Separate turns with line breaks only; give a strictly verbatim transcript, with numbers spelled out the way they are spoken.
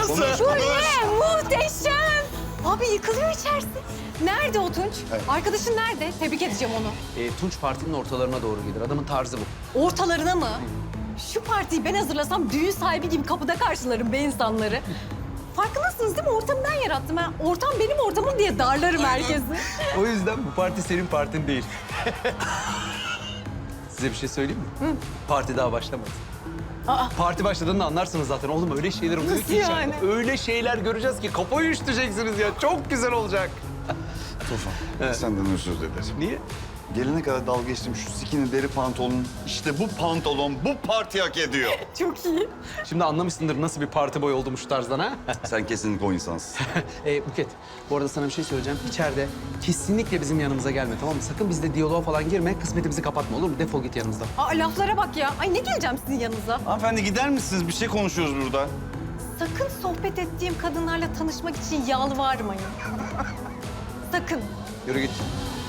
Konuş,
Şu
konuş.
ne? Muhteşem. Abi yıkılıyor içerisi. Nerede o Tunç?
Evet.
Arkadaşın nerede? Tebrik edeceğim onu.
E, Tunç partinin ortalarına doğru gelir. Adamın tarzı bu.
Ortalarına mı? Şu partiyi ben hazırlasam düğün sahibi gibi kapıda karşılarım be insanları. Farkındasınız değil mi? Ortamı ben yarattım. Ha. Ortam benim ortamım diye darlarım herkesi.
O yüzden bu parti senin partin değil. Size bir şey söyleyeyim mi?
Hı.
Parti daha başlamadı.
Aa.
Parti başladığında anlarsınız zaten. Oğlum öyle şeyler oluyor
Nasıl
ki içeride.
yani?
Öyle şeyler göreceğiz ki kafayı üşüteceksiniz ya. Çok güzel olacak.
Tufan,
Evet.
senden özür dilerim.
Niye?
Gelene kadar dalga geçtim şu skinny deri pantolonun. İşte bu pantolon bu parti hak ediyor.
Çok iyi.
Şimdi anlamışsındır nasıl bir parti boy olduğumu şu tarzdan ha?
Sen kesinlikle o insansın.
e, Buket, bu arada sana bir şey söyleyeceğim. İçeride kesinlikle bizim yanımıza gelme, tamam mı? Sakın bizle diyaloğa falan girme, kısmetimizi kapatma, olur mu? Defol git yanımızdan.
Aa, laflara bak ya. Ay ne geleceğim sizin yanınıza?
Hanımefendi gider misiniz? Bir şey konuşuyoruz burada.
Sakın sohbet ettiğim kadınlarla tanışmak için yalvarmayın. Sakın.
Yürü git.